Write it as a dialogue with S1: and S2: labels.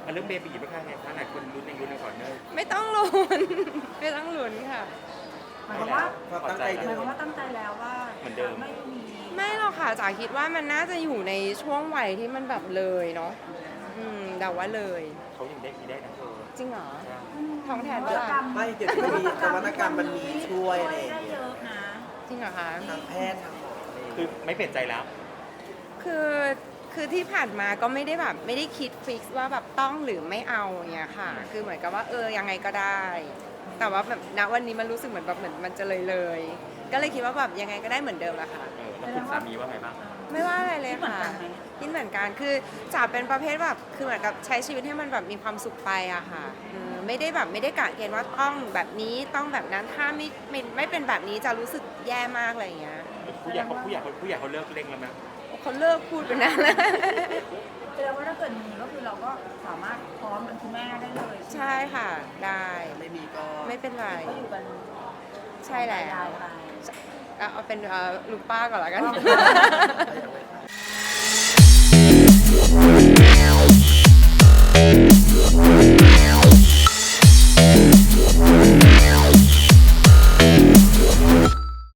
S1: เรื่องเบบีบ้างคะไงคะหลายคนลุ้นในคอร์เนอร์
S2: ไม่ต้องลุ้น ไม่ต้องลุ้นค่ะ
S3: หมายความว่า
S4: ความตั้งใจ
S3: ห
S4: เดิ
S3: มาย
S4: ม
S3: ความว่าตั้งใจแล้วว่า
S1: เหมือนเดิม
S3: ไม่มี
S2: ไม่หรอกค่ะจ๋าคิดว่ามันน่าจะอยู่ในช่วงวัยที่มันแบบเลยเนาะเดาว่าเลย
S1: เขายังได้มีได้นะเธอ
S2: จริงเหรอ
S1: ใช่
S2: ท้องแทน
S3: น
S2: ด้
S3: วั
S2: วย
S3: ตกรรม
S4: ไม่เดี๋ยวนี้มีนวัตกรรมมันมีช่วยอะไรอย่าง
S3: ได้
S4: เงี้
S3: เย
S4: ย
S3: อะนะ
S2: จริงเหรอคะ
S4: ทางแพทย์ทางหมออะไรอย่าง
S1: คื
S4: เงี้
S1: อย ไม่เปลี่ยนใจแล้ว
S2: คือคือที่ผ่านมาก็ไม่ได้แบบไม่ได้คิดฟิกซ์ว่าแบบต้องหรือไม่เอาอย่างเงี้ยค่ะ คือเหมือนกับว่ายังไงก็ได้ แต่ว่าแบบณวันนี้มันรู้สึกเหมือนแบบเหมือนมันจะเลยก็เลยคิดว่าแบบยังไงก็ได้เหมือนเดิมแหละค่ะ
S1: แล้วคุณสามีว่าไงบ้าง
S2: ไม่ว่าอะไรเลย
S3: เหมือน
S2: ค่ะ
S3: กันไหม
S2: คิดเหมือนกันคือจ๋าเป็นประเภทแบบคือเหมือนกับใช้ชีวิตให้มันแบบมีความสุขไปอะค่ะไม่ได้แบบไม่ได้กะเกณฑ์ว่าต้องแบบนี้ต้องแบบนั้นถ้าไม่เป็นแบบนี้จะรู้สึกแย่มากอะไรอย่างเงี้ย
S1: ผู้ใหญ่เขาเลิกเร่งแล้วไหม
S2: เขาเลิกพูดไปนานแล้ว
S3: แสดงว่าถ้าเกิดมีก็คือเราก็สามารถพร้อมเป็นคุณแม่ได้เลย
S2: ใช่ค่ะได้
S4: ไม่มีก็
S2: ไม่เป็นไร
S3: ก็อยู่กัน
S2: ใช่แล้ว
S3: ยายไป
S2: เอาเป็นลุงป้าก่อนละกัน
S4: ไม่